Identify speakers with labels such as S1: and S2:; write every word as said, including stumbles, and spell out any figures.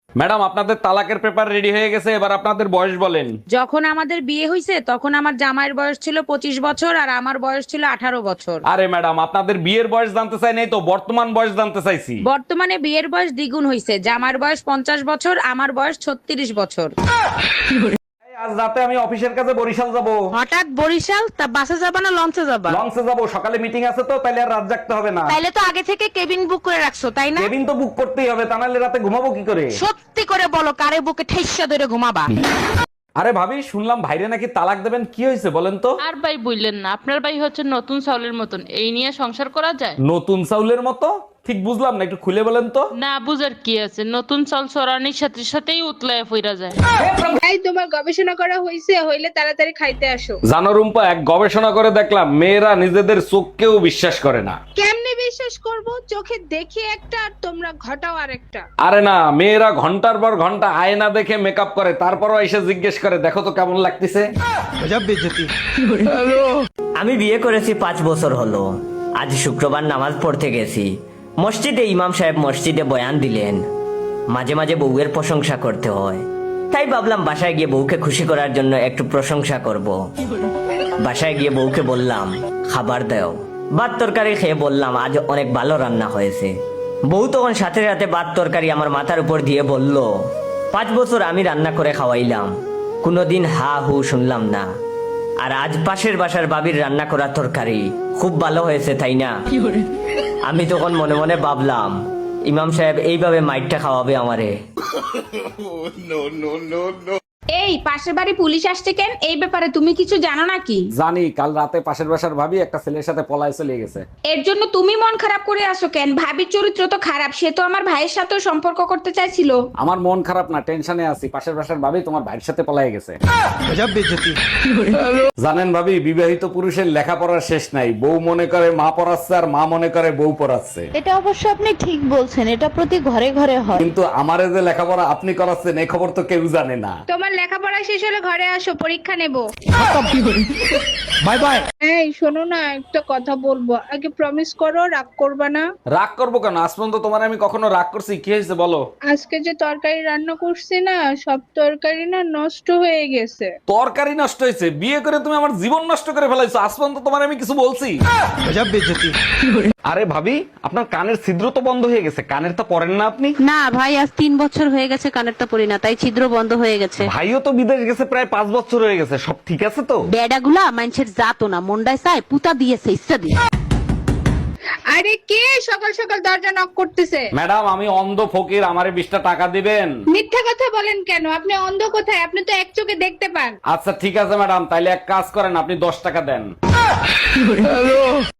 S1: Madam আপনাদের তালাকের paper ready হয়ে গেছে, এবার আপনাদের বয়স বলেন।
S2: যখন আমাদের বিয়ে হয়েছে তখন আমার জামাইয়ের বয়স ছিল পঁচিশ বছর আর আমার বয়স ছিল আঠারো বছর।
S1: আরে ম্যাডাম আপনাদের বিয়ের বয়স জানতে চাই নাই তো, বর্তমান বয়স জানতে চাইছি।
S2: বর্তমানে বিয়ের বয়স দ্বিগুণ হয়েছে, জামাইয়ের বয়স পঞ্চাশ বছর, আমার বয়স ছত্রিশ বছর।
S1: আজ রাতে আমি অফিসের কাছে বরিশাল যাব।
S2: হঠাৎ বরিশাল? তা বাসে যাবা না লঞ্চে যাবা?
S1: লঞ্চে যাব, সকালে মিটিং আছে তো, তাইলে আর রাত জাগতে হবে না।
S2: তাইলে তো আগে থেকে কেবিন বুক করে রাখছো তাই না?
S1: কেবিন তো বুক করতেই হবে, তা নাহলে রাতে ঘুমাবো কি করে?
S2: সত্যি করে বলো, কারে বুকে ঠেসা ধরে ঘুমাবা?
S1: আরে ভাবি, শুনলাম ভাইরে নাকি তালাক দেবেন, কি হয়েছে বলেন তো?
S3: আর ভাই বললেন না, আপনার ভাই হচ্ছে নতুন চাউলের মতন, এই নিয়ে সংসার করা যায়?
S1: নতুন চাউলের মতো? ঠিক বুঝলাম না, একটু খুলে বলেন তো।
S3: না বুঝার কি আছে, নতুন চাল চড়ানির সাথে সাথেই উতলায় ফিরা যায়।
S4: ভাই তোমার গবেষণা করা হয়েছে, হইলে তাড়াতাড়ি খাইতে আসো।
S1: জানো রুম্পা, এক গবেষণা করে দেখলাম মেয়েরা নিজেদের চোখকেও বিশ্বাস করে না।
S4: কেমনে বিশ্বাস করব? চোখে দেখি একটা আর তোমরা ঘটাও আরেকটা।
S1: আরে না, মেয়েরা ঘন্টার পর ঘন্টা আয়না দেখে মেকআপ করে, তারপরও এসে জিজ্ঞেস করে দেখো তো কেমন লাগতেছে।
S5: আমি বিয়ে করেছি পাঁচ বছর হলো। আজ শুক্রবার নামাজ পড়তে গেছি মসজিদে। ইমাম সাহেব মসজিদে বয়ান দিলেন, মাঝে মাঝে বউয়ের প্রশংসা করতে হয়। তাই ভাবলাম বাসায় গিয়ে বউকে খুশি করার জন্য একটু প্রশংসা করব। বাসায় গিয়ে বউকে বললাম খাবার দাও। ভাত তরকারি খেয়ে বললাম আজ অনেক ভালো রান্না হয়েছে। বউ তখন সাথে সাথে ভাত তরকারি আমার মাথার উপর দিয়ে বলল, পাঁচ বছর আমি রান্না করে খাওয়াইলাম, কোনোদিন হা হু শুনলাম না। আর আজ পাশের বাসার বাবির রান্না করা তরকারি খুব ভালো হয়েছে, তাই না? আমি তখন মনে মনে ভাবলাম ইমাম সাহেব এইভাবে মাইটটা খাওয়াবে আমারে।
S2: এই পাশের বাড়ি পুলিশ আসছে কেন? এই ব্যাপারে তুমি কিছু জানো নাকি?
S1: জানি, কাল রাতে পাশের বাসার ভাবি একটা ছেলের সাথে পলায় চলে গেছে।
S2: এর জন্য তুমি মন খারাপ করে আসো কেন? ভাবির চরিত্র তো খারাপ, সে তো আমার ভাইয়ের সাথেও সম্পর্ক করতে চাইছিল।
S1: আমার মন খারাপ না, টেনশনে আছি। পাশের বাসার ভাবি তোমার ভাইয়ের সাথে পলায় গেছে। জানেন ভাবি, বিবাহিত পুরুষের লেখাপড়ার শেষ নাই। বউ মনে করে মা পড়াচ্ছে আর মা মনে করে বউ পড়াচ্ছে।
S6: এটা অবশ্য আপনি ঠিক বলছেন, এটা প্রতি ঘরে ঘরে হয়।
S1: কিন্তু আমারে যে লেখাপড়া আপনি করাচ্ছেন এই খবর তো কেউ জানে না।
S4: তোমার লেখাপড়া শেষ হলে ঘরে আসো, পরীক্ষা নেব।
S1: Bye bye.
S4: এই শোনো না, একটা কথা বলবো, আগে প্রমিস করো রাগ করবা না।
S1: রাগ করবো কেন? আজ পর্যন্ত তোমার আমি কখনো রাগ করছি? কি হয়েছে বলো?
S4: আজকে যে তরকারি রান্না করছি না, সব তরকারি না নষ্ট হয়ে গেছে।
S1: তরকারি নষ্ট হয়েছে? বিয়ে করে তুমি আমার জীবন নষ্ট করে ফেলাইছো। আজ পর্যন্ত তোমার আমি কিছু বলছি? আরে ভাবি, আপনার কানের ছিদ্র তো বন্ধ হয়ে গেছে, কানের তো পরেন না আপনি?
S6: না ভাই, আজ তিন বছর হয়ে গেছে কানেরটা পরি না, তাই ছিদ্র বন্ধ হয়ে গেছে।
S1: ভাইও তো বিদেশ গেছে প্রায় পাঁচ বছর হয়ে গেছে, সব ঠিক আছে তো?
S6: বেডাগুলা মানুষের জাতো না, মন্ডায় চায় পুতা দিয়েছে ইচ্ছা দিয়ে।
S4: আরে কে সকাল সকাল দরজা নক করতেছে?
S1: ম্যাডাম আমি অন্ধ ফকির, আমারে বিশটা টাকা দিবেন?
S4: মিথ্যা কথা বলেন কেন? আপনি অন্ধ কোথায়? আপনি তো এক চোখে দেখতে পান।
S1: আচ্ছা ঠিক আছে ম্যাডাম, তাইলে এক কাজ করেন, আপনি দশ টাকা দেন।